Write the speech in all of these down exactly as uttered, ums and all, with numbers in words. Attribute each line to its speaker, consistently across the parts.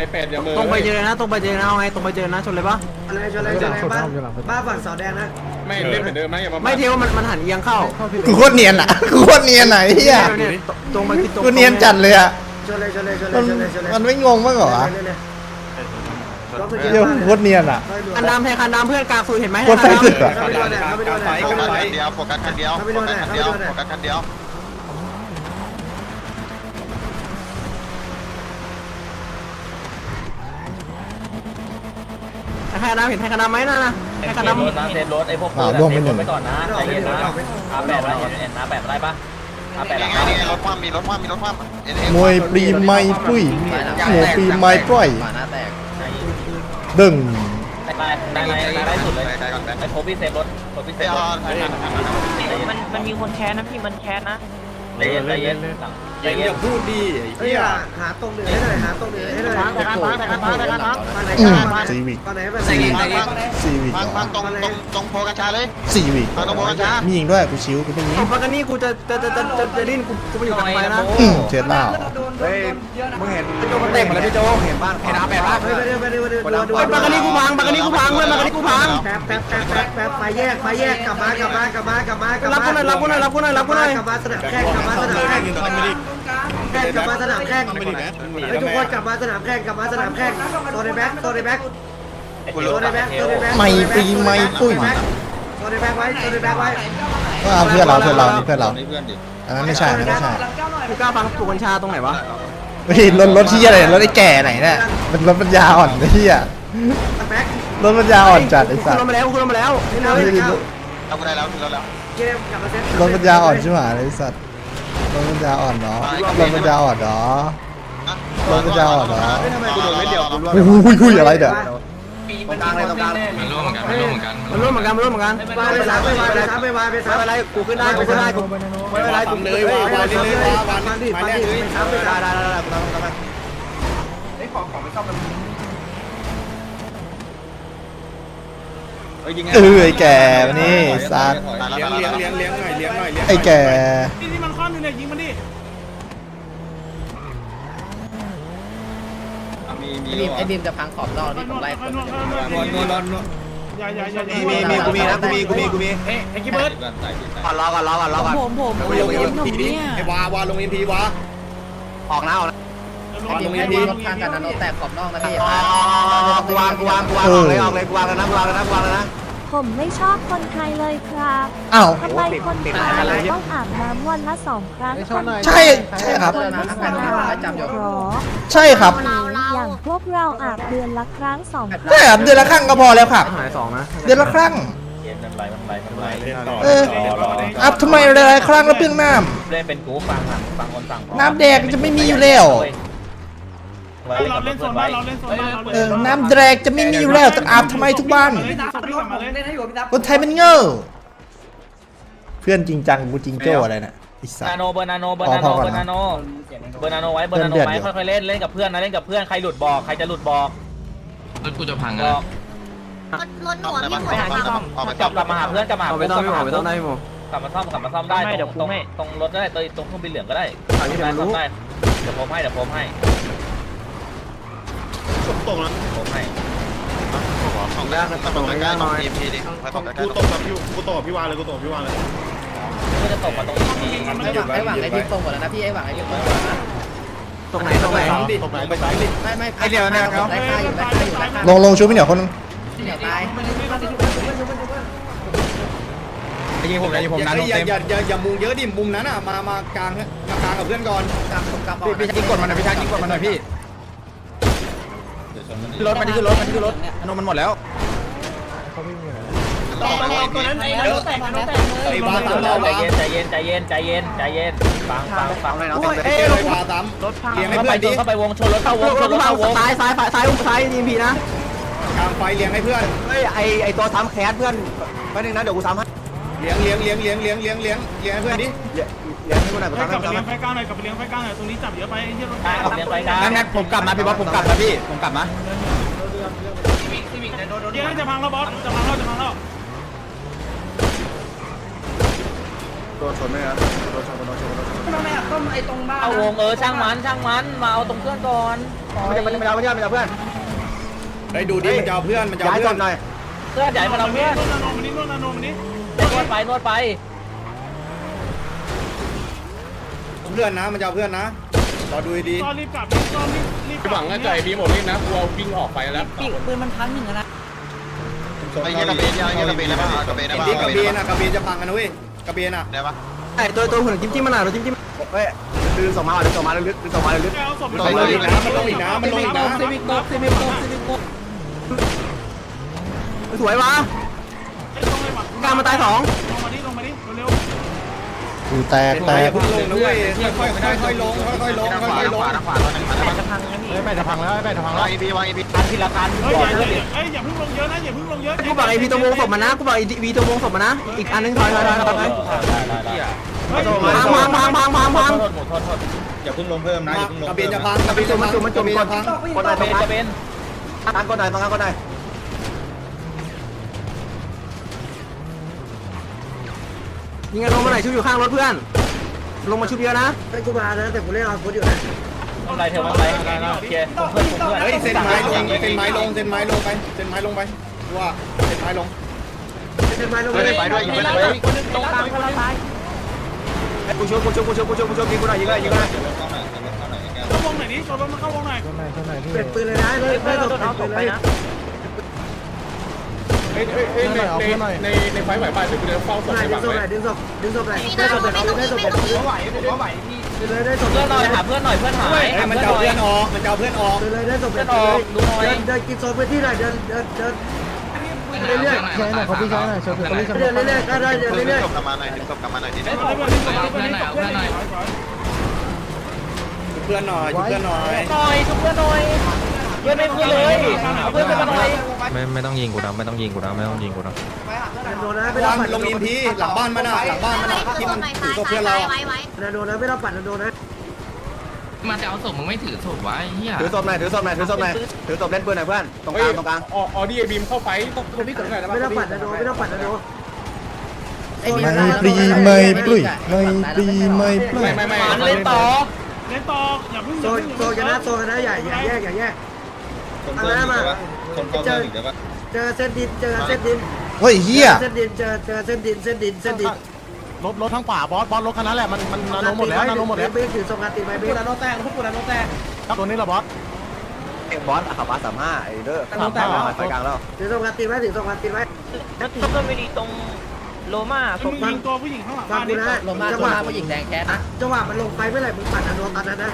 Speaker 1: เป็ดอย่ามือ
Speaker 2: ตรงไปเจอนะตรงไปเจอนะเอาไงตรงไปเจอนะชนเลยปะ
Speaker 3: อะไรชนอะไรชนอะไรบ้านบ้านฝั่งเสาแดงนะ
Speaker 1: ไม่เล่นเหมือนเดิมนะอย่ามา
Speaker 2: ไม่เทวมันมันหันเอียงเข้า
Speaker 4: กูโคตรเนียนอ่ะกูโคตรเนียนไหนเฮีย
Speaker 2: เนี่ยตรงไปคือตรง
Speaker 4: กูเนียนจัดเลยอ่ะ
Speaker 3: ชนเลยชนเลยชนเล
Speaker 4: มั
Speaker 3: ย
Speaker 4: น
Speaker 3: ชนเลยชนเลย
Speaker 4: มันไม่งงบ้างเหรอวะ
Speaker 3: เดี๋
Speaker 4: เดี๋ยวโคตรเนียนอ่ะ
Speaker 2: คันดำแทนคันดำเพื่อนกลางสุดเห็นไหม
Speaker 4: โคตรไฟสึกอ่ะ
Speaker 3: เขาไปโดนไหนเขาไปโดนไหน
Speaker 5: โฟกัสคันเดียวโฟกัสคันเดียวโฟกัสคันเดียวโฟกัสคันเดียว
Speaker 2: คันดำเห็นคันดำไหมน่ะนะคันดำ
Speaker 6: รถนะเซฟรถไอ้พวก
Speaker 4: อ่าร่วมไปหนึ่ง
Speaker 6: ไปก่อนนะใจเย็นนะอาแปดอะไรเห็นอาแปดอะไรปะอาแปด
Speaker 5: นี่
Speaker 6: อะไร
Speaker 5: ไงนี่ไงรถความมีรถความมีรถความเอ็นเอ็
Speaker 4: มวยปรีไม้ปุ้ยหัวปรีไม้ปล่อยดึง
Speaker 6: ได้ได้ได้ได้สุดเลย
Speaker 5: ได้ก่อนแบงค์
Speaker 6: ไอ้โทบี้เซฟรถโทบี้เซ
Speaker 5: เดี๋
Speaker 6: ฟ
Speaker 5: ยว
Speaker 6: รถ
Speaker 7: มันมันมีคนแคสนะพี่มันแคสนะ
Speaker 6: ใจเย็นใจเย็นใจเย็
Speaker 1: อน ย่าพูดดี
Speaker 3: เฮ้ยหาตรงเหนือให้หน่อยหาตรงเหนือให้หน่อย
Speaker 2: แต่คันแต่คันแต่คัน
Speaker 3: ตอนไหน
Speaker 4: อื
Speaker 3: ก
Speaker 4: ม
Speaker 3: ล้า
Speaker 4: ซีวิก
Speaker 3: ตอนไหนแบบ
Speaker 5: สี่วิ
Speaker 4: ซีวิก
Speaker 5: พังพังตรงตรงตรงโพกัญชาเลย
Speaker 4: ซีวิก
Speaker 5: พังตรงโพกัญชา
Speaker 4: มียิงด้วยกูชิวกูเป็นยิง
Speaker 2: ปกติกูจะจะจะจะจะจะดิ้นกูกูไปอยู่กับใครนะ
Speaker 4: อืมเช็ดเหล้า
Speaker 1: เฮ้ยมึงเห็น
Speaker 2: โจมันเตะหมดแล้วพี่โจเห็นบ้านเห็นอาแปดบ้าน
Speaker 3: เฮ้ยไปเร็วไปเร็วไปเร็วดูดู
Speaker 2: ปกติกูพังปกติกูพังเพื่อนปกติกูพัง
Speaker 3: แป๊บแป๊บแป๊บแป๊บแป๊บไปแยกไปแยกกลับมากลับมากลับมากลับมากลับ
Speaker 2: รับ
Speaker 3: มา
Speaker 2: กูหน่อยรับกูหน่อยรับกูหน่อยรับกูหน่อย
Speaker 3: กลับมาสนามแข่งกลับมาสนามแข่งแข่งกลับมาสนามแข่งเฮ้ยทุกคนกลับมาสนามแข่งกลับมาสนามแข่งตัวในแบ็คตัวในแบ็คตัวในแบ็คตัวในแบ็ค
Speaker 4: ไม่ปรีไม้ปุ้ย
Speaker 3: ตัวในแบ็คไว้ตัวในแบ็คไว้
Speaker 4: ก็เอาเพื่อนเราเพื่อนเรานี่เพื่อนเรา
Speaker 5: นี่เพื่อนดิ
Speaker 4: อันนั้นไม่ใช่อันนั้นไม่ใช่
Speaker 2: กูกล้าฟังสูบกัญชาตรงไหนวะ
Speaker 4: เฮ้ยรถรถที่อะไรรถไอ้แก่ไหนเนี่ยมันรถปัญญาอ่อนไอ้เหี้ย
Speaker 3: แบ็ค
Speaker 4: รถปัญญาอ่อนจัดไอ้สั
Speaker 2: กู
Speaker 4: ส
Speaker 2: ลงมาแล้วกูลงมาแล้ว
Speaker 3: นี่เรา
Speaker 5: เอากูได้แล้วแล้วแล้ว
Speaker 3: เกมกลับมาเซ็ต
Speaker 4: รถปัญญาอ่อนใช่ไหมไอ้สัสรถปัญญาอ่อนเนาะรถปัญญาอ่อนเนาะ รถปัญญาอ่อนเนาะ
Speaker 1: ทำไมกูโดนไม่เดียวกูร่วง
Speaker 4: อุ้ยอุ้ยอุ้ยอะไรเด้อ
Speaker 1: ตรงกลางเลยตรงกลาง
Speaker 8: มันร่วมเหมือนกันมันร่วมเหมือนกัน
Speaker 2: มันร่วมเหมือนกันมันร่วมเหมือนกัน
Speaker 3: วายไปสามไปวายไปสามไปวายไปสาม
Speaker 2: ไม่เป็นไรกูขึ้นได้กูขึ้นได้กูไม่เป็นไรกู
Speaker 1: เลยวาวาเลยว่าวา
Speaker 3: ฟังดิ
Speaker 1: ไป
Speaker 3: ฟัง
Speaker 1: แรก
Speaker 3: ดิ
Speaker 1: เลย
Speaker 3: ไปสามไป
Speaker 2: ได้
Speaker 3: สาม
Speaker 2: ได้ได้ได้กูทำกูทำ
Speaker 1: ไอ้ของของไม่ชอบมันเอ้ยยิงไง
Speaker 4: เออไอ้แก่มานี่สัส
Speaker 1: เลี้ยงเลี้ยงเลี้ยงเลี้ยงหน่อยเลี้ยงหน่อยเลี้ยง
Speaker 4: ไอ้แก่
Speaker 7: นี่มันคว่ำอยู่เนี่ยยิงมันดิ
Speaker 1: มีมี
Speaker 7: ไอ้บีมไอ้บีมจะพังขอบนอกที่ผมไล่คน
Speaker 1: นวลนวลนวล
Speaker 7: อย่าอย่าอย่า
Speaker 1: มีมีมีกูมีนะกูมีกูมีกูมี
Speaker 7: เอ้ไอ้กิเบิร์ด
Speaker 2: ก่อนรอก่อนรอก่อนรอก่อน
Speaker 7: ผมผม
Speaker 1: ลงเอ็มพีดิไอ้วาวาลงเอ็มพีวา
Speaker 2: ออกนะออกนะ
Speaker 7: ไอ้บีมไอ้บีมข้างกันนะโนแตกขอบนอกนะพี่
Speaker 2: กูวางกูวางกูวางออกเลยออกเลยกูวางแล้วนะกูวางแล้วนะกูวางแล้วนะ
Speaker 9: ผมไม่ชอบคนไทยเลยครับ
Speaker 4: อ้าว
Speaker 9: ทำไมคนไทยต้องอาบน้ำวันละสองครั้ง
Speaker 4: ใช่ใช่ครับ
Speaker 9: คนที่สนามจำหรอ
Speaker 4: ใช่ครับ
Speaker 9: อย่างพวกเราอาบเดือนละครั้งสองครั้ง
Speaker 4: ใช่ครับเดือนละครั้งก็พอแล้วครับ
Speaker 2: หายสองนะ
Speaker 4: เดือนละครั้ง
Speaker 6: เย็นมันไหลมันไหลมันไหล
Speaker 4: เอออัพทำไมหลายๆครั้งแล้วเปลืองน้
Speaker 6: เล่นเป็นกูฟังอ่ะฟังคนฟัง
Speaker 4: ำน้ำแดงจะไม่มีอยู่แล้ว
Speaker 7: เราเล่นโซนบ้านเราเล่นโซนบ้านเรา
Speaker 4: เออน้ำแดงจะไม่มีอยู่แล้วแต่อาบทำไมทุกวัน
Speaker 7: เล่นโซนพี่กลับมาเลย
Speaker 4: คนไทยมันเง่อเพื่อนจริงจังกูจริงโจ้อะไรน่ะไอิสั
Speaker 6: นา
Speaker 4: ส
Speaker 6: โนเบอร์นาโนเบอร์นาโนเบอร์นาโนเบอร์นาโนไว้เบอร์นาโนไว้ค่อยๆเล่นเล่นกับเพื่อนนะเล่นกับเพื่อนใครหลุดบอกใครจะหลุดบอก
Speaker 8: รถกูจะพัง
Speaker 6: บ
Speaker 8: อ่ะ
Speaker 6: อก
Speaker 5: รถหน่วงพี่ไปหาที่ซ่อมออกไป
Speaker 6: กลับกลับมาหาเพื่อนกลับมา
Speaker 2: เอาไปต้องพี่หมอไปต้องได้พี่หมอก
Speaker 6: ลับมาซ่อมกลับมาซ่อมได้ตรงตรงตรงรถได้ตรงเครื่องบินเหลืองก็ได้
Speaker 2: อันนี้เดี๋ยวมันรู้
Speaker 6: ได้เดี๋ยวผมให้เดี๋ยวผมให้
Speaker 1: ตกแล้ว
Speaker 6: ผมให้
Speaker 5: ของแรกนะตรงใกล้ๆตรงเอ็มพีดิตรงใกล้
Speaker 1: กู
Speaker 5: ๆต
Speaker 1: ต
Speaker 5: รง
Speaker 1: กกับพี่กูตกกับพี่วานเลยกูตกกับพี่วานเลย
Speaker 6: ก็จะตกมาตรงนี้
Speaker 7: ไอ้หวังไอ้หวังไอ้บีมตรงหมดแล้วนะพี่ไอ้หวังไอ้บีมตรงหมดแล้วนะ
Speaker 2: ตรงไหนตรงไหน
Speaker 1: ตกไหนไปซ้ายดิ
Speaker 7: ไม่ไม่ไอ้เดียวเนี่ยครับไล่ฆ่าอยู่ไล่ฆ่าอยู่ไล่ฆ่า
Speaker 4: ลงลงชูพี่เหนียวคนนึง
Speaker 7: เดี๋ยวตาย
Speaker 1: ยิงผมยิงผมนะอย่าอย่าอย่าอย่ามุงเยอะดิมุมนั้นอ่ะมามากลางมากลางกับเพื่อนก่อน
Speaker 7: กลับกลับออก
Speaker 1: พี่ชักยิงกดมันหน่อยพี่ชักยิงกดมันหน่อยพี่รถมันนี่คือรถมันนี่คือรถนมมันหมดแล้วไอ้บ้าตามเรา
Speaker 6: ใจเย็นใจเย็นใจเย็นใจเย็นใจเย็นฟังฟังฟัง
Speaker 1: เอ้ยไอ้บ้าตามเลี้ยงให้
Speaker 6: เข้าไป
Speaker 1: เพื่อนดิ
Speaker 6: เข้าไปวงชนรถเข้าวงชนรถ
Speaker 2: เข้า
Speaker 6: เข้าวง
Speaker 2: ซ้ายซ้ายซ้ายอุ้มซ้ายดีพีนะ
Speaker 1: กลางไฟเลี้ยงให้เพื่อน
Speaker 2: เฮ้ยไอไอตัวซ้ำแคสเพื่อนแป๊บนึงนะเดี๋ยวกูซ้ำให้
Speaker 1: เลี้ยงเลี้ยงเลี้ยงเลี้ยงเลี้ยงเลี้ยงเลี้ยงเลี้ยงให้เพื่อนดิ
Speaker 2: เดี๋ยวให้กูหน่อยกู
Speaker 7: กลั
Speaker 2: ซ้ำ
Speaker 7: บ
Speaker 2: ให้
Speaker 7: ไปเลี้ยงไฟกลางหน่อยกลับไปเลี้ยงไฟกลางหน่อยตรงนี้จับเยอะไปไอ้เหี้ยรถ
Speaker 6: ขับเลี้ยงไปกัน
Speaker 1: งั้นงั้นผมกลับนะพี่บอสผมกลับนะพี่ผมกลับนะ
Speaker 7: เดี๋ยวจะพังแล้วบอสจะพังแล้วจะพังแล้ว
Speaker 6: ใจ
Speaker 2: ตัวชนไหมครับตัวชนตัวชนตัวชน
Speaker 6: เอาวงเออช่างมันช่างมันมาเอาตรงเพื่อนก่อน
Speaker 2: ไม่จะไม่จะไม่จะไม่จะเพื่อน
Speaker 1: ไอ้ดูดิมันจะเอาเพื่อนมันจะเอา
Speaker 2: ย้าย
Speaker 1: เพื่
Speaker 2: ศ
Speaker 1: อน
Speaker 2: พหน่อย
Speaker 6: เพื่อนใหญ่มาเราเพื่อน
Speaker 5: นานมันนี่นวดนานมันนี่
Speaker 6: นวดไปนวดไป
Speaker 1: เพื่อนนะมันจะเอาเพื่อนนะรอดูดี
Speaker 5: ตอนรีบกลับตอนรีบรีบกลับ
Speaker 10: หวังว่าใจบีหมดนี่นะกลัววิ่งออกไปแล้ว
Speaker 7: ปีกปืนมันพันหนึ่งนะ
Speaker 5: ไอ้เงี้ยกระเบนยังกระเบนได้ป่ะกระเบนได้ป่ะ
Speaker 1: ที่กระเบนอ่ะกระเบนจะพังกันนะเว้ยกระเบนอ่ะ
Speaker 5: ได้ป่ะ
Speaker 2: ไอ้ตัวตัวหุ่นจิ้มจิ้มมันหน่อยจิ้มจิ้มเฮ้ยดึงส่งมาดึงส่งมาลึกดึงส่งมาลึก
Speaker 5: เอาศพ
Speaker 1: มันลงอีกนะมันลงอีกนะมันลงอีกนะ
Speaker 2: สวยวะ การมาตายสอง
Speaker 5: ลงมาดิลงมาดิเร็ว
Speaker 4: กูแตกแต
Speaker 1: ไป
Speaker 4: ก
Speaker 1: อย่าเพิ่งลงนะเว้ยค่อยๆค่อยๆลงค่อยๆลงค่อยๆลง
Speaker 7: จะพังนะพี่
Speaker 2: แม่จะพังแล้วแม่จะพัง
Speaker 5: ๆ
Speaker 2: แล้ว
Speaker 5: วางอีพีวางอีพี
Speaker 6: พันทีละคัน
Speaker 5: เฮ้ย
Speaker 6: ก่อน
Speaker 5: อย่า
Speaker 6: เพื่อนดิ
Speaker 5: เอ้ยอย่าเพิ่งลงเยอะนะอย่าเพิ่งลงเยอะ
Speaker 2: กูบอกไอพีตัววงศพมานะกูบอกไอพีตัววงศพมานะอีกอันนึงถอยถอยถอยถอย พังพังพังพังพังพัง
Speaker 6: โทษหมดโทษโทษ
Speaker 1: อย่าเพิ่งลงเพิ่มนะอย่าเพิ่งลงกระเบนจะพังกระเบนจะพังกระเบนจะพัง
Speaker 2: คนไหน
Speaker 6: จะ
Speaker 2: ตร
Speaker 6: เป็
Speaker 2: ง
Speaker 6: นจะเป็น
Speaker 2: นั้นคนไหนตรงนั้นคนไหนยิงกันลงมาไหนชุบอยู่ข้างรถเพื่อนลงมาชุบเยอะนะ
Speaker 3: ไอ้กูมานะแต่กูเล่นเอาฟุตอยู่นะ
Speaker 6: ทำไรเธอมาไรโอเคผมเพื่อนผมเพื่อน
Speaker 1: เฮ้ยเส้นไม้ลงเส้นไม้ลงเส้นไม้ลงไปเส้นไม้ลงไปว่าเส้นไม้ลง
Speaker 3: เป็นไม้ลง
Speaker 5: ไม่ได้ไปด้วยไม่ได้ไปด้วย
Speaker 6: ตรงกลางคนละซ้าย
Speaker 2: กูชุบกูชุบกูชุบกูชุบกูชุบยิงกูหน่อยยิงเลยยิงเลย
Speaker 5: เข้าวงไหนดิโซนมาเข้าวงไหน
Speaker 3: เป็นปืนเลยนะเลยไม่ตก
Speaker 7: เอา
Speaker 3: เป็น
Speaker 7: ต
Speaker 3: ปื
Speaker 7: ก
Speaker 3: น
Speaker 7: ไป
Speaker 3: เลย
Speaker 7: นะ
Speaker 10: เอ้ยเอ้ยเอ้ยในในในไฟไหวป่ะเดี๋ยวกูจะเฝ้าศพ
Speaker 3: ไหน
Speaker 10: ใน
Speaker 3: ดึ
Speaker 10: บั
Speaker 3: ง
Speaker 10: ง
Speaker 3: ศพไหน
Speaker 10: เลย
Speaker 3: ดึงศพดึงศพไหนได้ศพแบบได้ศพแบบปืน
Speaker 6: ไหวผมไหวพี่
Speaker 3: เลยได้ศพ
Speaker 6: เพื่อนหน่อยหาเพื่อนหน่อยเพื่อนหาย
Speaker 1: ไอ้มันจะเอาเพื่อนออกมันจะเอาเพื่อนออก
Speaker 3: ปืนเลยได้ศพแบบปืนเลยเดินเดินกินโซนพื้นที่หน่อยเดินเดินเดินเรื่อยๆ
Speaker 4: ใช่หน่อยเขาพี่ใช่หน่อยเชิญเขาพี่
Speaker 3: เดินเรื่อยๆก็ได้เดิน
Speaker 5: ดึง
Speaker 3: เรื่อย
Speaker 5: ศพกลับมาหน่อยดึงศพกลับมาหน่อยดิ
Speaker 6: เพื่อนหน่อยเพื่อนหน่อย
Speaker 1: เพื่อนหน่อยเพื่อนหน่อย
Speaker 6: หน่อยทุกเพื่อนหน่อยเพื่อนไม่เพื่อนเลยเอาเพื่อนไปหน่อย
Speaker 8: ไม่ไม่ต้องยิงกูนะไม่ต้องยิงกูนะไม่ต้องยิงกูนะ
Speaker 3: ๆโดนนะไม่ต้
Speaker 1: วา
Speaker 3: อง
Speaker 1: ง
Speaker 3: ปัด
Speaker 1: ลงอินพีหลังบ้านมันอ่ะหลังบ้านมันอ่ะที่มันถือศพเพื่อนเรา
Speaker 3: นะโดนนะไม่ต้องปัดนะโดนนะ
Speaker 8: มันจะเอาศพมึงไม่ถือศพวะไอ้เหี้ย
Speaker 2: ถือศพหน่อยถือศพหน่อยถือศพหน่อยถือศพเล่นปืนหน่อยเพื่อนตรงก
Speaker 10: เฮ้ย
Speaker 2: ลางตรงกลาง
Speaker 10: ออดี้ไอบีมเข้าไฟต้องพี่กดหน่อยนะ
Speaker 3: ไม่ต้องปัดนะโดนไม่ต้องปัดนะโดน
Speaker 4: ไม่ปรีไม่ปลุยไม่ปรีไม่ปลุย
Speaker 10: ไม่ไม่ไม่
Speaker 6: หมันเล่นต่อ
Speaker 5: เล่นต่ออย่าเพิ่ง
Speaker 3: โซนโซนกันนะโซนกันนะอย่าอย่าแยกอย่าแยกเอาละมาเจอเจอเส้นดินเจอเส้นดิน
Speaker 4: เฮ้ยเฮีย
Speaker 3: เส้นดินเจอเจอเส้นดินเส้นดินเส้นดิน
Speaker 10: รถรถทั้งป่าบอสบอสรถคันนั้นแหละมันมันนาโนหมดแล้วนาโนหมดแล้ว
Speaker 3: เบสถือสงครามตีไปเบส
Speaker 10: นาโนแตกพวกกูนาโนแตกตัวนี้ละบอส
Speaker 2: บอสขับมาสามห้าไอ้เด้อขับมาไฟกลางแล้ว
Speaker 3: ถือสงครามตีไว้ถือสงครามตีไว้
Speaker 7: แล้วถือเพื่อนไม่ดีตรงโลมา
Speaker 5: มึงยิงตัวผู้หญิงข้างหลัง
Speaker 3: ฟั
Speaker 5: บ้าง น
Speaker 3: กู
Speaker 5: นี่
Speaker 3: นะจังหวะผู้หญิงแดงแคสนะจังหวะมันลงไปเมื่อไหร่มึงปัดนะโดนตอนนั้นนะ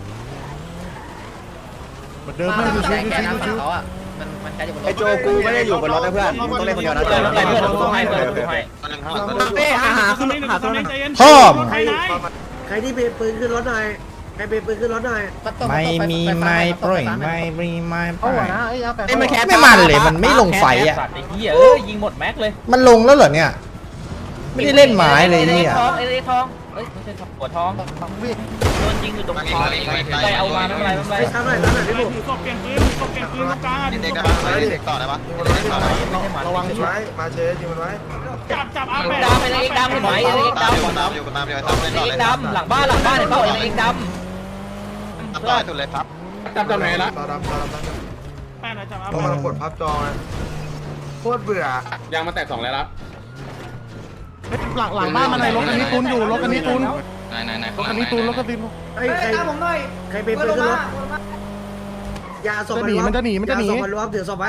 Speaker 10: เหมือนเดิมไม่ดูชิวชิวชิว
Speaker 2: ไอ้โจกูไม่ได้อยู่บนรถนะเพื่อนต้องเล่นคนเดียวนะ
Speaker 6: เพื่อนไปเพื่อนผมให้เพื่อนผมให้
Speaker 5: ตอนนึงข้างหลัง
Speaker 2: เป้หาหาขึ้นหาขึ้น
Speaker 5: ใจเย็น
Speaker 4: พ่อม
Speaker 5: ใครไหน
Speaker 3: ใครที่เบรปืนขึ้นรถหน่อยใครเบรปืนขึ้นรถหน่อย
Speaker 4: ไม่มีไม่ปลุยไม่ปรีไม่ปลุย
Speaker 2: ไอ้มันแคส
Speaker 4: ไม่มันเลยมันไม่ลงไฟอ่ะ
Speaker 6: สัตว์ไอ้เหี้ยเอ้ยยิงหมดแม็กเลย
Speaker 4: มันลงแล้วเหรอเนี่ยไม่ได้เล่นไม้เลย
Speaker 6: ไอ้
Speaker 4: เนี่ย
Speaker 6: ทองไอ้ทองเอ้ยไม่ใช่หัวทองโดนยิงอยู่ตรงคอไปเอามาไม่เป็นไรไม่เป็นไร
Speaker 3: ไอ้ทำหน่อยทำหน่อยพี่บุ๋ม
Speaker 5: ถือศพเปลี่ยนปืนถือศพเปลี่ยนปืนตรงกลาง
Speaker 2: เด็
Speaker 5: ดึ
Speaker 2: ก
Speaker 5: ง
Speaker 2: ได้
Speaker 5: ศพ
Speaker 2: ปะเด็กต่อได้ปะเด็กต่อได้ปะ
Speaker 10: ระวังช่วย
Speaker 5: จับจับอา
Speaker 6: เอ็
Speaker 5: แป
Speaker 6: ก
Speaker 5: ด
Speaker 6: ดำไอ้เอ็กดำเห็นไหมไอ้เอ็ก
Speaker 5: ตาม
Speaker 6: ดำ
Speaker 5: อยู่ตามอยู่ตามอยู่ตามเล่นต่อ
Speaker 6: เอ็
Speaker 5: เลย
Speaker 6: กดำหลังบ้านหลังบ้านเห็นเปล่าไอ้เอ็กดำ
Speaker 5: ต่อสุดเลยครับ
Speaker 10: จับจับไหนละ
Speaker 5: แปดนะจับอา
Speaker 4: ต้อง
Speaker 5: แป
Speaker 4: มา
Speaker 5: ด
Speaker 4: กดพับจอย
Speaker 10: ยางมาแตกสองแล้วละหลังหลังบ้านมันในรถคันนี้ตุนอยู่รถคันนี้ตุน
Speaker 8: ไหนไหนไหน
Speaker 10: รถคันนี้ตุนรถคันนี้
Speaker 3: ไอ้ใครใครเบรปืนขึ้นรถอย่าส่ง
Speaker 10: จะหนีมันจะหนีมันจะหนี
Speaker 3: ส่งมันรวมถือศพไว้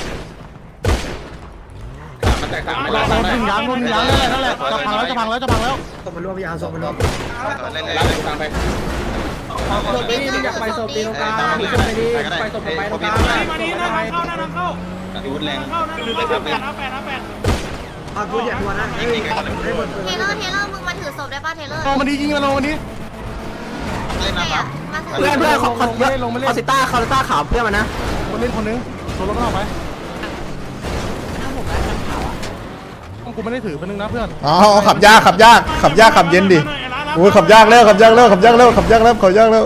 Speaker 10: มันแตกสามรถรถถึงยางรถถึงยางนั่นแหละนั่นแหละจะพังแล้วจะพังแล้วจะพังแล้ว
Speaker 3: ส่งมันรวมอย่าส่งมันรวม
Speaker 5: เล่นเลย
Speaker 10: แล้วตามไป
Speaker 3: ศพนี้อยากไปศพตีตรงกลางศพไปดีไปศพไปตรงกลาง
Speaker 5: มาดีนะทางเข้าหน้าทางเข้าอาวุธแรงเข้าหน้าทางเข้าแปดนะแปดนะแปด
Speaker 3: เอาพูดอย่าทัวนะให้ให้หมดปืน
Speaker 9: เทเลอร์เทเลอร์มึงมาถือศพได้ป่ะเทเลอร์
Speaker 10: ลงมันดียิงมันลงมันดี
Speaker 5: เล่นนะครับ
Speaker 9: มาถือ
Speaker 2: เพื่อนเพื่อนเขาเขาคาสิต้าคาสิต้าขาวเพื่อนมันนะ
Speaker 10: คนเล่นคนนึงตัวรถเข้าไปกูไม่ได้ถือเป็นนึงนะเพื่อน
Speaker 4: อ๋อขับยากขับยากขับยากขับเย็นดิโอ้ยขับยากแล้วขับยากแล้วขับยากแล้วขับยากแล้วขับยากแล้ว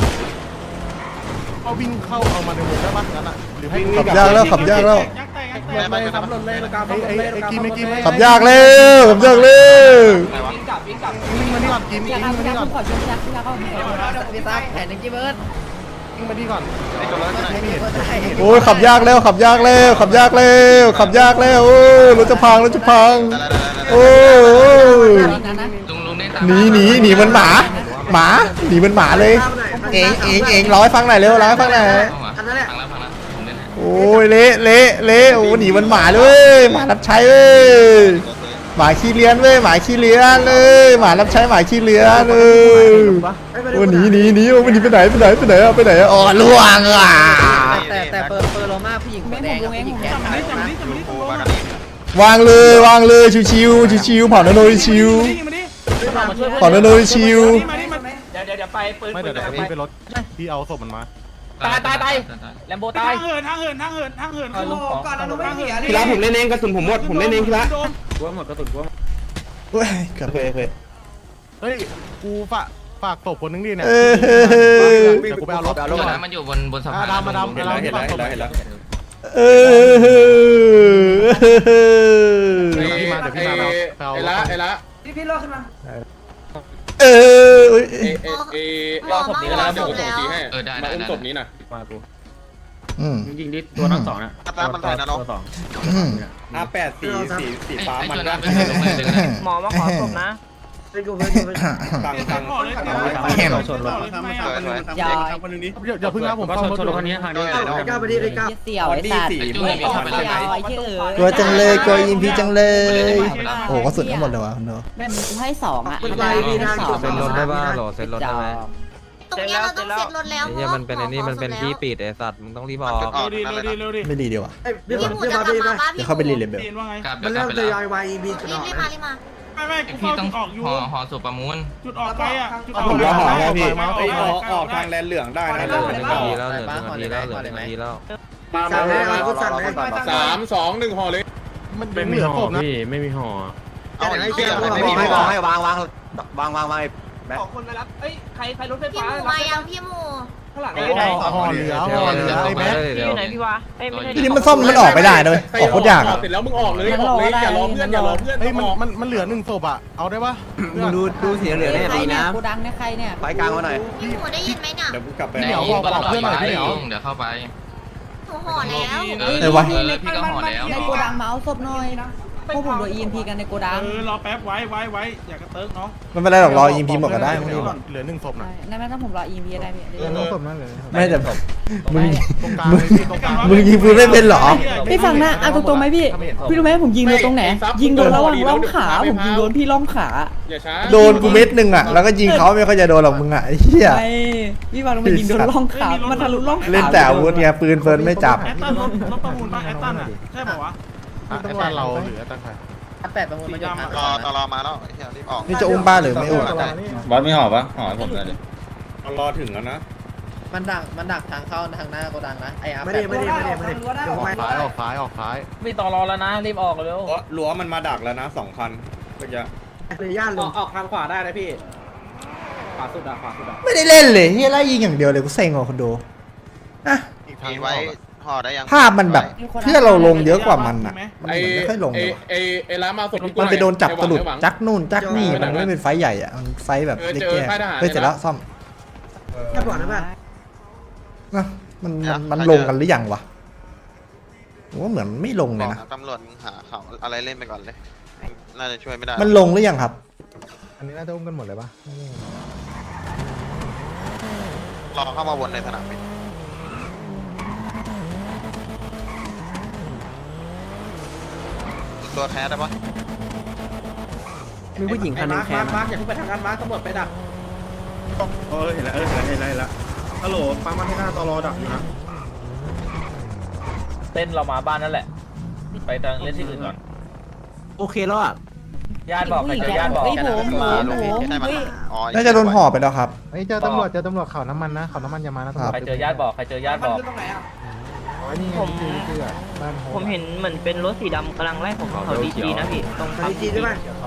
Speaker 10: เอาวิ่งเข้าเอามาในวงได้ปะงั้นอ่ะหรือให้
Speaker 4: ขับยากแล้วขับยากแล้ว
Speaker 5: ยักแตกยักแต
Speaker 10: เลยทำหล่นเลยตรงกลางไอ้ไอ้กินไม่กินไม่
Speaker 4: ขับยากเร็วขับยากเร็ว
Speaker 10: วิ่งมาที่ก่อนกินวิ่งมาที่ก่อน
Speaker 3: ขอชุบยักษ์ยักษ์เข้าพี่ตาแผ่นหนึ่งกี่เบิร์ด
Speaker 10: วิ่งมาที่ก่อน
Speaker 4: โอ้ยขับยากเร็วขับยากเร็วขับยากเร็วขับยากเร็วโอ้ยรถจะพังรถจะพังโอ้ย
Speaker 8: ลุงลุงได้
Speaker 4: หนีหนีหนีมันหมาหมาหนีมันหมาเลย เองเองเองร้อยฟังหน่อยเร็วร้อยฟังหน่อย
Speaker 8: อันนั้นแหละฟังแล้วฟังแล้วผมเล่นให้
Speaker 4: โอ้ยเละเละเละโอ้หนีมันหมาเลยหมารับใช้เว้ยหมาขี้เลี้ยนเว้ยหมาขี้เลี้ยนเลยหมารับใช้หมาขี้เลี้ยนเลยโอ้หนีหนีหนีโอ้มันหนีไปไหนไปไหนไปไหนอะไปไหนอะอ๋อล่วงอ่ะ
Speaker 3: แต่แต่เปิดเปิดโลมาผู้หญิงหัวแดงกับผู้หญิงแขนขาว
Speaker 5: จังนี้จังนี้ตรงโล
Speaker 4: วางเลยวางเลยชิวๆชิวๆเผานาโนชิว
Speaker 5: มาดิ
Speaker 4: เผานาโนชิว
Speaker 5: มาดิมาดิ
Speaker 6: เดี๋ยวเดี๋ยวเดี๋ยวไปปืน
Speaker 10: ไม่
Speaker 6: ปื
Speaker 10: เดี๋ย
Speaker 6: น
Speaker 10: วเดี๋ยวพี่ไปรถพี่เอาศพมันมา
Speaker 6: ตายตายตายแลมโบตา
Speaker 5: ทาย งเหินทางเหินทางเหินทางเหินขึ้นลงก่อนนะน้องไม่เสีย
Speaker 2: พี่ละผมเล่นเองกระสุนผมหมดผมเล่นเองพี่ละ
Speaker 4: เฮ้ยเกือบ
Speaker 10: เฮ้ยกูฝากฝากศพคนนึงดิเนี่ย
Speaker 4: เออ
Speaker 10: เดี๋ยวกูไปเอารถ
Speaker 8: รถนะมันอยู่บนบนสะพาน
Speaker 10: ดำมาดำมาดำ
Speaker 1: เห็นแล้วเห็นแล้วเห็นแล้ว
Speaker 4: เออ
Speaker 10: เดี๋ยวพี่มาเดี๋ยวพี่มาเอาเอา
Speaker 1: ไอ้ละไอ้ละ
Speaker 3: พี่พี่รอดขึ้นมา
Speaker 4: เออ
Speaker 1: เอเอเอ
Speaker 6: รอศพนี้ก็แล้ว
Speaker 1: เดี๋ยวกูส่งทีให้
Speaker 8: เออได้
Speaker 1: มา
Speaker 8: ได้
Speaker 1: อุ้ม
Speaker 8: ได้
Speaker 1: ศพนี้นะ
Speaker 4: อืม
Speaker 6: ยิงดิตัวน้องสองนะ
Speaker 1: มันถ่ายนะน้อง
Speaker 4: อืม
Speaker 1: อาแปดสีสีสีฟ้า
Speaker 8: ไอ้
Speaker 1: มัน
Speaker 8: ตัว
Speaker 1: ก็
Speaker 8: นั้นเป็นลงเลยเลย
Speaker 7: หมอมาขอศพนะ
Speaker 3: ไปกูไปกูไป
Speaker 1: ตังตัง
Speaker 5: ห่อเลย
Speaker 6: ชนรถ
Speaker 5: ทำไมอ่ะ
Speaker 3: อย่า
Speaker 10: เดี๋ยวเดี๋ยวพึ่งนะผม
Speaker 6: ก็
Speaker 10: ซ่อม
Speaker 6: ชน
Speaker 10: รถ
Speaker 6: ชนรถคันนี้ทางนี้
Speaker 3: ไอ้ก้าวไปดิไอ้ก้าว
Speaker 7: เสี่ยวไอ้สัตว์
Speaker 1: สี
Speaker 8: จุ้
Speaker 1: ม่วง
Speaker 8: ยมีเข้าไปเลย
Speaker 7: ไอ้เหี้ยเอ๋
Speaker 4: กลัวจังเลยกลัวอิมพีจังเลย โอ้กระสุนทั้งหมดเลยวะคุณโน
Speaker 7: แบบกูให้สองอ่ะ
Speaker 3: มันไปมีทางจุด
Speaker 2: เซ็นรถได้ป่ะโหลเซ็นรถได้ไหม
Speaker 9: ตรงนี้เราต้องเสร็จรถแล้ว
Speaker 2: ไอ้เหี้ยมันเป็นไอ้นี่มันเป็นที่ปิดไอ้สัตว์มึงต้องรีบออก
Speaker 5: เร็วดีเร็วดีเร็วดี
Speaker 4: ไม่ดีเดียววะ
Speaker 3: ไอ้พี่
Speaker 9: พี่
Speaker 3: มา
Speaker 9: หมู
Speaker 3: พี่
Speaker 9: จะ
Speaker 3: มาก
Speaker 9: ลับ
Speaker 3: พี่
Speaker 9: มา
Speaker 3: มา
Speaker 9: ป้า
Speaker 4: เดี๋
Speaker 9: พี่
Speaker 4: ยวเข้าไปรีเลเบล
Speaker 5: เรียนว่าไง
Speaker 8: กลับ
Speaker 3: มัน
Speaker 8: เดี๋ยวก
Speaker 3: เริ่
Speaker 8: ลับ
Speaker 3: ม
Speaker 8: ไป
Speaker 3: ท
Speaker 8: แล้ว
Speaker 3: ยอย Y E B จุดอ
Speaker 9: รี
Speaker 3: อบ ก
Speaker 9: รีบมารีบมา
Speaker 5: ไม่ไม่กู
Speaker 8: พี่
Speaker 5: เฝ้า
Speaker 8: ต้อง
Speaker 5: จุดออกอยู่
Speaker 8: ห่อห่อสุประมูล
Speaker 5: จุดออกไปอ่ะจุดออก
Speaker 1: ผมรอหอแล้วพี่
Speaker 5: อ
Speaker 1: ไอ้อ
Speaker 5: อ
Speaker 1: อก กออกทางแลนเหลืองได้นะ
Speaker 2: เหลือหนึ่งนาทีแล้วเหลือหนึ่งนาทีแล้วเหลือหนึ่งนาทีแล้ว
Speaker 1: มา
Speaker 3: สั่
Speaker 1: มาง
Speaker 3: เลย
Speaker 1: มา
Speaker 3: เอาสั่งเลย
Speaker 1: สามสองหนึ่งห่อเลย
Speaker 10: มันเป็นเหลือศพนะ
Speaker 3: เอาไอ้เหี้ย
Speaker 2: ไม่มีไม่บอกให้วางวางวางวางวาง
Speaker 6: ขอคนมารับเอ้ยใครใครรถไฟ
Speaker 9: พี่
Speaker 6: ฟ้า
Speaker 9: หมูมายังพี่หมู
Speaker 6: ข้างหลัง
Speaker 10: ห่อเหลือห่อเหลือไอ้แบ๊ก
Speaker 7: พี่อยู่ไหนพี่วะเอ้ยไม่ใช่
Speaker 4: นี่มันซ่อมมันออกไม่ได้เลยออกโคตรยากอะ
Speaker 1: เสร็จแล้วมึงออกเลยออกเลยอย่ารอเพื่อนอย่ารอเพื่อน
Speaker 10: เฮ้ยมัน
Speaker 1: ออก
Speaker 10: มันมันเหลือหนึ่งศพอ่ะเอาได้ปะ
Speaker 2: มึงดูดูสีเหลืองเนี่ยดีนะ
Speaker 7: กูดังเนี่ยใครเนี่ย
Speaker 2: ไฟกลางมาหน่อย
Speaker 9: พี่หมูได้ยินไหมเนี่ย
Speaker 1: เดี๋ยวกูกลับไป
Speaker 8: ไหนบอกบอกเพื่อนหน่อยพี่เดี๋ยวเดี๋ยวเข้าไป
Speaker 9: หนูห่อแล้ว
Speaker 8: เออ
Speaker 4: เออวะ
Speaker 8: เออพี่ก็ห่อแล้ว
Speaker 7: ในโกดังเมาส์ศพหน่อยพวกผมโดน อี เอ็ม พี กันในโกดัง
Speaker 5: เออรอแป๊บไว้ไว้ไว้อย่ากระเติร์กน้อง
Speaker 4: ไม่เป็นไรหรอกรออิมพีหมดก็ได้ไม่รีบหรอก
Speaker 10: เหลือหนึ่งศพนะ
Speaker 7: นั่นไม่ต้องผมรอ อี เอ็ม พี ได้พี่
Speaker 4: ไม่แต่มึง
Speaker 10: ตรงกลางเลยพี่ตรงกลาง
Speaker 4: มึงยิงปืนไม่เป็นเหรอ
Speaker 7: พี่ฟังนะเอาตรงๆไหมพี่ พี่รู้ไหมผมยิงโดนตรงไหน ยิงโดนระหว่างร่องขา ผมยิงโดนพี่ร่องขา
Speaker 1: อย่าช้า
Speaker 4: โดนกูเม็ดหนึ่งอ่ะแล้วก็ยิงเขาไม่ค่อยจะโดนหรอกมึงอ่ะไอ้เหี้ย
Speaker 7: ไม่พี่ฟังมันยิงโดนร่องขา มันทะลุร่องขา
Speaker 4: เล่นแต่อาวุธไงปืนเฟิร์นไม่จับ
Speaker 5: แอตตันรถรถประมูลป่ะแอตตันอ่ะใช่ป่าวะ
Speaker 10: ไอ้ตันเราหรือไอ้ตันใคร
Speaker 3: แปดประมูลมาจบ
Speaker 1: รอตลอมาแล้วรีบออก
Speaker 4: นี่จะอุ้มบ้านหรือไม่อุ้ม
Speaker 6: บอสไม่ห่อปะห่อผมเลย
Speaker 1: รอถึงแล้วนะ
Speaker 3: มันดักมันดักทางเข้าทางหน้าโกดังนะไอ้อาไม่ได้ไม่ได้ไม่ได้ไม่ได้เดี๋ยว
Speaker 10: ออก
Speaker 3: ไป
Speaker 10: ซ้ายออกซ้ายออกซ้าย
Speaker 6: ไม่ต่อรอแล้วนะรีบออกเร็ว
Speaker 1: รั้วมันมาดักแล้วนะสองคันก็จะ
Speaker 3: เลยย่านลง
Speaker 6: ออกทางขวาได้นะพี่ขวาสุดอะขวาสุดอะ
Speaker 4: ไม่ได้เล่นเลยเฮียไล่ยิงอย่างเดียวเลยกูเซ็งว่ะคนดูอะ
Speaker 10: อีกทาง
Speaker 1: ไว้ห่อได้ยัง
Speaker 4: ภาพมันแบบเพื่อเราลงเยอะกว่ามันอ่ะมันเหมือนไม่ค่อยลงเลยว่ะ
Speaker 1: ไอไอร้านมาสด
Speaker 4: มันไปโดนจับสลุดจักนู่นจักนี่มันไม่เป็นไฟใหญ่อ่ะมันไฟแบบเล็กแก่เฮ้ยเสร็จแล้วซ่อม
Speaker 3: แค่บอกนะบ้าน
Speaker 4: นะมันมันมันลงกันหรือยังวะผมว่าเหมือนไม่ลงเลยนะ
Speaker 1: ตำรวจหาเขาอะไรเล่นไปก่อนเลยน่าจะช่วยไม่ได้
Speaker 4: มันลงหรือยังครับ
Speaker 10: อันนี้น่าจะอุ้มกันหมดเลยปะ
Speaker 1: รอเข้ามาวนในสนามบินตัวแคสได้ปะ
Speaker 2: มีผู้หญิงคนนึงแค่
Speaker 3: มาร์คอย่าเพิ่งไปทางการมาร์คตำรวจไปดัก
Speaker 10: เออเห็นแล้วเออเห็นแล้วเห็นแล้วฮัลโหลปั๊มมาที่หน้าตอรอดักอยู่นะ
Speaker 6: เต้นเรามาบ้านนั่นแหละ ไปทางเล่นที่อื่นก่อน
Speaker 2: โอเคแล้วอ่ะ
Speaker 6: ญาติบอกใครเจอญาติบอก
Speaker 7: เฮ้ยผมผมผมเฮ้ย
Speaker 4: น่าจะโดนห่อไปแล้วครับ
Speaker 10: เฮ้ยเจอตำรวจเจอตำรวจเขาน้ำมันนะเขาน้ำมันอย่ามานะ
Speaker 6: ใครเจอญาติบอกใครเจอญาติบอก
Speaker 7: ผมผมเห็นเหมือนเป็นรถสีดำกำลังไล่ผมเขาดีจีนะพี่ตรง
Speaker 3: ดีจีด้วยไหม
Speaker 7: เ